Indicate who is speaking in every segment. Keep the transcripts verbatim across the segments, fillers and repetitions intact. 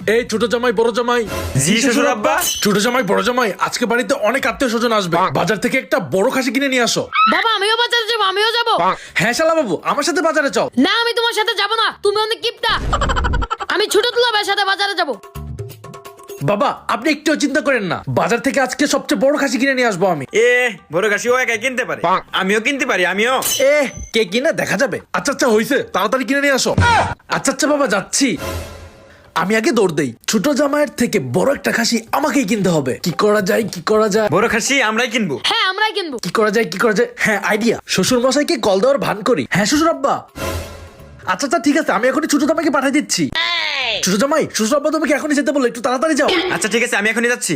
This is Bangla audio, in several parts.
Speaker 1: এই ছোট জামাই বড় জামাই।
Speaker 2: জি শ্বশুর আব্বা।
Speaker 1: ছোট জামাই বড় জামাই, আজকে বাড়িতে অনেক আত্মীয় স্বজন আসবে, বাজার থেকে একটা বড় খাসি কিনে নিয়ে আসো।
Speaker 3: বাবা আমিও বাজারে যাবো, আমিও যাবো।
Speaker 1: হ্যাঁ শালা বাবু, আমার সাথে বাজারে চল।
Speaker 3: না আমি তোমার সাথে যাবো না, তুমি অনেক কিপটা। আমি ছোট দুলাভাইয়ের সাথে বাজারে যাবো।
Speaker 1: বাবা আপনি একটু চিন্তা করেন না, বাজার থেকে আজকে সবচেয়ে বড় খাসি কিনে নিয়ে আসবো আমি।
Speaker 2: এ বড় খাসি ও একাই কিনতে পারে, আমিও কিনতে পারি, আমিও।
Speaker 1: এ কে কিনে দেখা যাবে। আচ্ছা আচ্ছা হইছে, তাড়াতাড়ি কিনে নিয়ে আসো। আচ্ছা আচ্ছা বাবা যাচ্ছি। আমি আগে দৌড় দেই, ছোট জামাইয়ের থেকে বড় একটা খাসি আমাকেই কিনতে হবে। কি করা যায় কি করা যায়?
Speaker 2: বড় খাসি আমরাই কিনবো।
Speaker 3: হ্যাঁ আমরাই কিনবো।
Speaker 1: কি করা যায় কি করা যায়? হ্যাঁ আইডিয়া, শ্বশুর মশাইকে কল দেওয়ার ভান করি। হ্যাঁ শ্বশুর আব্বা। আচ্ছা আচ্ছা ঠিক আছে, আমি এখনই ছোট জামাইকে পাঠিয়ে দিচ্ছি। ছোট জামাই, শ্বশুর আব্বা তোমাকে এখনই যেতে বলে, একটু তাড়াতাড়ি যাও।
Speaker 2: আচ্ছা ঠিক আছে, আমি এখনই যাচ্ছি।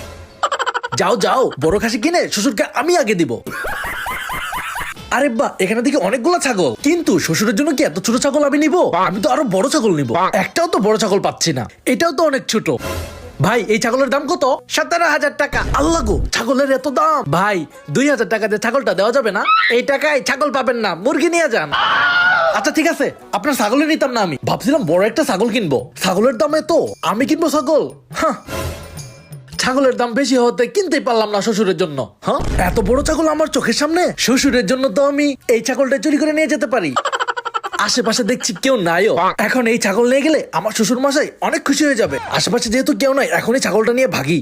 Speaker 1: যাও যাও, বড় খাসি কিনে শ্বশুরকে আমি আগে দিব। আরে বা, এখানে দেখি অনেকগুলো ছাগল, কিন্তু শ্বশুরের জন্য কি এত ছোট ছাগল আমি নিব? আমি তো আরো বড় ছাগল নিব। একটাও তো বড় ছাগল পাচ্ছি না, এটাও তো অনেক ছোট। ভাই এই ছাগলের দাম কত? সতেরো হাজার টাকা। আল্লাহ গো, ছাগলের এত দাম। ভাই দুই হাজার টাকা দিয়ে ছাগলটা দেওয়া যাবে না? এই টাকায় ছাগল পাবেন না, মুরগি নিয়ে যান। আচ্ছা ঠিক আছে, আপনার ছাগলে নিতাম না, আমি ভাবছিলাম বড় একটা ছাগল কিনবো। ছাগলের দামে তো আমি কিনবো ছাগল? হ্যাঁ, ছাগলের দাম বেশি হতে কিনতেই পারলাম না শ্বশুরের জন্য। হ্যাঁ, এত বড় ছাগল আমার চোখের সামনে, শ্বশুরের জন্য তো আমি এই ছাগলটা চুরি করে নিয়ে যেতে পারি। আশেপাশে দেখছি কেউ নাইও, এখন এই ছাগল নিয়ে গেলে আমার শ্বশুর মশাই অনেক খুশি হয়ে যাবে। আশেপাশে যেহেতু কেউ নাই, এখন এই ছাগলটা নিয়ে ভাগি।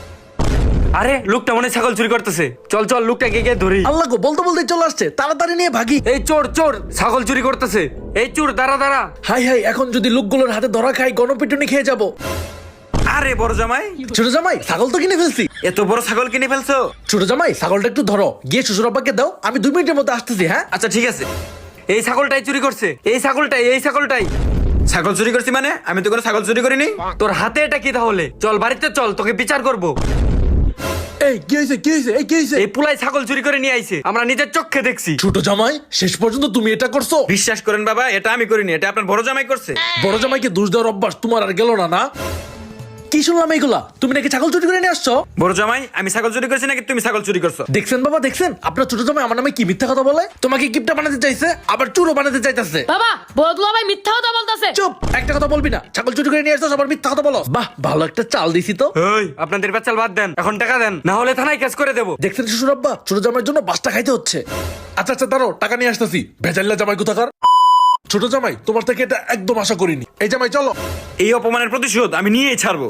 Speaker 2: আরে লোকটা মনে হয় ছাগল চুরি করতেছে, চল চল লোকটাকে গিয়ে ধরি।
Speaker 1: আল্লাহ গো, বলতে বলতে চলে আসছে, তাড়াতাড়ি নিয়ে ভাগি।
Speaker 2: এই চোর চোর, ছাগল চুরি করতেছে। এই চোর দাঁড়া দাঁড়া।
Speaker 1: হাই হাই, এখন যদি লোকগুলোর হাতে ধরা খাই, গণপিটুনি খেয়ে যাবো।
Speaker 2: আরে বড় জামাই,
Speaker 1: ছোট জামাই ছাগল তো কিনে ফেলছি।
Speaker 2: এত বড় ছাগল কিনে ফেলছো?
Speaker 1: ছোট জামাই ছাগলটা একটু ধরো, গিয়ে শ্বশুর আব্বাকে দাও, আমি দুই মিনিটের মধ্যে আসতেছি। হ্যাঁ
Speaker 2: আচ্ছা ঠিক আছে। এই ছাগলটাই চুরি করছে, এই ছাগলটাই, এই ছাগলটাই। ছাগল চুরি করছি মানে? আমি তো কোনো ছাগল চুরি করিনি। তোর হাতে এটা কি তাহলে? চল বাড়িতে চল, তোকে বিচার করব।
Speaker 1: এই কি হয়েছে কি হয়েছে এই কি হয়েছে?
Speaker 2: এই পুলাই ছাগল চুরি করে নিয়ে আইছে, আমরা নিজের চোখে দেখছি।
Speaker 1: ছোট জামাই, শেষ পর্যন্ত তুমি এটা করছো?
Speaker 2: বিশ্বাস করেন বাবা, এটা আমি করিনি, এটা আপনার বড় জামাই করছে।
Speaker 1: বড় জামাইকে দোষ দেওয়ার অভ্যাস তোমার আর গেল না না? কি শুনলাম এইগুলা? তুমি নাকি ছাগল চুরি করে নিয়ে আসছো?
Speaker 2: বড় জামাই, আমি ছাগল চুরি করছি নাকি তুমি ছাগল চুরি করছো?
Speaker 1: দেখছেন বাবা দেখছেন, আপনার ছোট জামাই আমার নামে কি মিথ্যা কথা বলে। তোমাকে কিপটা বানাতে চাইছে, আবার চুরো বানাতে চাইতেছে।
Speaker 3: বাবা বড় দুলাভাই মিথ্যা কথা বলতেছে।
Speaker 1: চুপ, একটা কথা বলবি না। ছাগল চুরি করে নিয়ে আসছো, আবার মিথ্যা কথা বলো। বাহ, ভালো একটা চাল দিছি তো।
Speaker 2: এই আপনাদের পেঁচাল বাদ দেন, এখন টাকা দেন, না হলে থানায় কেস করে দেবো।
Speaker 1: দেখছেন শ্বশুর আব্বা, ছোট জামাইয়ের জন্য বাসটা খাইতে হচ্ছে। আচ্ছা আচ্ছা দাঁড়াও, টাকা নিয়ে আসতেছি। ভেজাল্লা জামাই কোথাকার। ছোট জামাই, তোমার থেকে এটা একদম আশা করিনি। এই জামাই চলো।
Speaker 2: এই অপমানের প্রতিশোধ আমি নিয়েই ছাড়বো।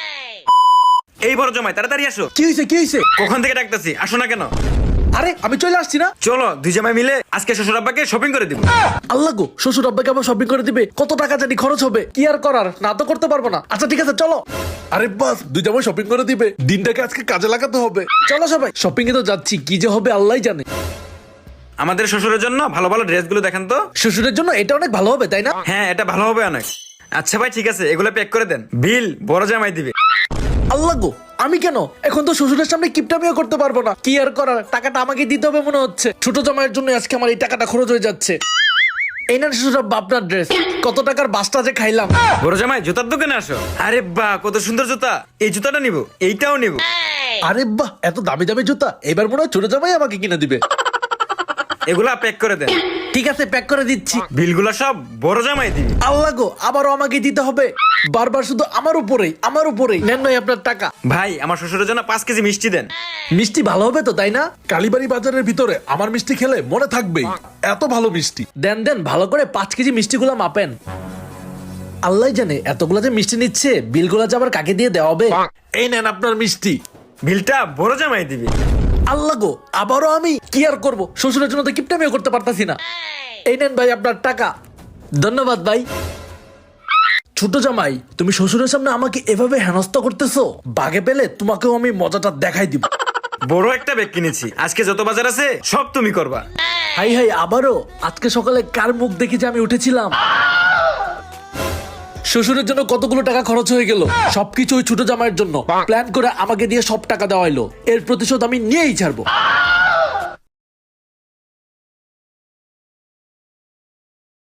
Speaker 2: এই বড় জামাই তাড়াতাড়ি আসো।
Speaker 1: কি হয়েছে কি হয়েছে?
Speaker 2: কখন থেকে ডাকতেছি, আসো না কেন?
Speaker 1: আরে আমি চলে আসছি না।
Speaker 2: চলো দুই জামাই মিলে আজকে শ্বশুর আব্বাকে শপিং করে দিব।
Speaker 1: আল্লাহ গো, শ্বশুর আব্বাকে আবার শপিং করে দিবে, কত টাকা জানি খরচ হবে। কি আর করার, না তো করতে পারবো না। আচ্ছা ঠিক আছে চলো। আরে বাস, দুই জামাই শপিং করে দিবে, দিনটাকে আজকে কাজে লাগাতে হবে। চলো সবাই শপিং এ তো যাচ্ছি, কি যে হবে আল্লাহই জানে।
Speaker 2: আমাদের শ্বশুরের জন্য ভালো ভালো ড্রেসগুলো দেখেন তো।
Speaker 1: শ্বশুরের জন্য এটা অনেক ভালো হবে তাই না?
Speaker 2: হ্যাঁ এটা ভালো হবে অনেক। আচ্ছা ভাই ঠিক আছে, এগুলো প্যাক করে দেন, বিল বড় জামাই দিবে।
Speaker 1: আল্লাহ গো, আমি কেন এখন তো শ্বশুরের সামনে কিপটামিও করতে পারবো না। কি আর করার, টাকাটা আমাকে দিতে হবে মনে হচ্ছে। ছোট জামাইয়ের জন্য আজকে আমার এই টাকাটা খরচ হয়ে যাচ্ছে। এই না শ্বশুর আব্বা আপনার ড্রেস, কত টাকার বাসটা যে খাইলাম।
Speaker 2: বড় জামাই জুতার দোকানে আসো। আরে বাহ, কত সুন্দর জুতা, এই জুতাটা নিব, এইটাও নিব।
Speaker 1: আরে বাহ, এত দামি দামি জুতা, এবার মনে হয় ছোট জামাই আমাকে কিনে দিবে।
Speaker 2: এগুলা প্যাক করে দেন।
Speaker 1: ঠিক আছে প্যাক করে দিচ্ছি।
Speaker 2: বিলগুলা সব বড় জামাই দিবে।
Speaker 1: আল্লাহ গো, আবারও আমাকে দিতে হবে বারবার, শুধু আমার উপরেই আমার উপরেই। নেন নয় আপনার টাকা।
Speaker 2: ভাই আমার শ্বশুরের জন্য পাঁচ কেজি মিষ্টি দেন।
Speaker 1: মিষ্টি ভালো হবে তো তাই না? কালীবাড়ি বাজারের ভিতরে আমার মিষ্টি খেলে মনে থাকবেই, এত ভালো মিষ্টি। দেন দেন, ভালো করে পাঁচ কেজি মিষ্টিগুলা মাপেন। আল্লাহ জানে এতগুলা যে মিষ্টি নিচ্ছে, বিলগুলা যে আবার কাকে দিয়ে দেওয়া হবে। এই নেন আপনার মিষ্টি।
Speaker 2: বিলটা বড় জামাই দিবে।
Speaker 1: আল্লাহ গো, আবারও আমি কি আর করবো, শ্বশুরের জন্য তো কিপটামিও করতে পারতাছি না। এই নেন ভাই আপনার টাকা। ধন্যবাদ ভাই। ছোট জামাই, তুমি শ্বশুরের সামনে আমাকে এভাবে হেনস্থা করতেছো, বাগে পেলে তোমাকেও আমি মজাটা দেখাই দিব।
Speaker 2: বড় একটা ব্যাগ কিনেছি, আজকে যত বাজার আছে সব তুমি করবা।
Speaker 1: হাই হাই, আবারও আজকে সকালে কার মুখ দেখে যে আমি উঠেছিলাম। শ্বশুরের জন্য কতগুলো টাকা খরচ হয়ে গেল, সবকিছু ওই ছোট জামাইয়ের জন্য প্ল্যান করে আমাকে দিয়ে সব টাকা দেওয়া হলো। এর প্রতিশোধ আমি নিয়েই ছাড়বো।